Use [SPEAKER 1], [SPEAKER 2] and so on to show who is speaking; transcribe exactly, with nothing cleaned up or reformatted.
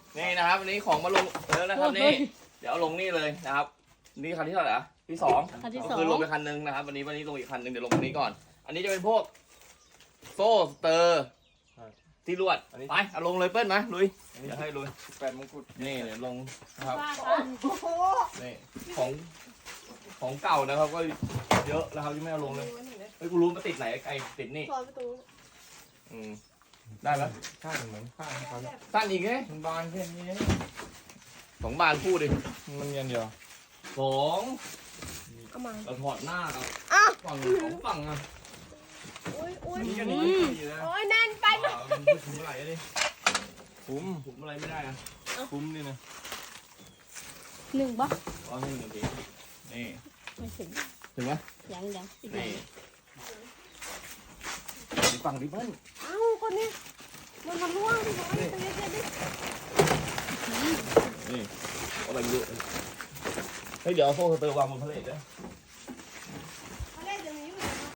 [SPEAKER 1] นี่นะครับวันนี้ของมาลงแล้วนะครับนี่เดี๋ยวเอาลงนี่เลยนะครับนี่คันที่เท่าไหร่อะที่สอง
[SPEAKER 2] คันที่ส
[SPEAKER 1] ก็
[SPEAKER 2] อง
[SPEAKER 1] คือลงไปคันนึงนะครับวันนี้วันนี้ลงอีกคันนึงเดี๋ยวลงคันนี้ก่อน อันนี้จะเป็นพวกโซ่สเตอร์ที่ลวดไปเอาลงเลยเปิ้ลมาลุยเดี๋ยวให้ลุย
[SPEAKER 3] แปดมงกุฎ
[SPEAKER 1] นี่เดี๋ยวลงนะครับ
[SPEAKER 2] ว่ากัน
[SPEAKER 1] นี่ของของเก่านะครับก็เยอะแล้วครับที่ไม่เอาลงเลยเฮ้ยกูรู้มาติดไหนไอ้ติดนี่
[SPEAKER 4] ซอยประตู
[SPEAKER 1] อืมได้ไหม
[SPEAKER 3] ข้างเหมือนข้างเขาเนี่ย
[SPEAKER 1] สั้นอีกไง
[SPEAKER 3] มันบานแค่นี้
[SPEAKER 1] สองบานคู่ดิ
[SPEAKER 3] มันเงียนเดียว
[SPEAKER 1] สอง
[SPEAKER 4] เอามา
[SPEAKER 1] เราถอดหน้าครับ
[SPEAKER 4] อ้าว
[SPEAKER 1] ฝั่งสองฝั่งอ่ะ
[SPEAKER 4] อุ้ยอุ้ย
[SPEAKER 1] นี่ก็นี่ดีนะ
[SPEAKER 4] โอ้ยแน่นไป
[SPEAKER 1] อ่ามันไม่ถึงอะไรดิ
[SPEAKER 3] คุ้ม
[SPEAKER 1] ผมอะไรไม่ได้อะ
[SPEAKER 3] คุ้มนี่นะ
[SPEAKER 2] หนึ่งบ่
[SPEAKER 1] อ๋อนี่หนึ่งทีนี่
[SPEAKER 2] ไม่ถึง
[SPEAKER 1] ถึงไหม
[SPEAKER 2] ยังยังอีกห
[SPEAKER 1] นี่
[SPEAKER 2] นึ่ง
[SPEAKER 1] อีกฝั่งดิเบิ้ล
[SPEAKER 4] เอ้าคนนี้มันมันร่วงที่น้อยตรงนี้เด็ดดิ
[SPEAKER 1] นี่อะไรไม่รู้เฮ้ยเดี๋ยวเอาโซ่สเตอร์วางบนพาเลทด้วย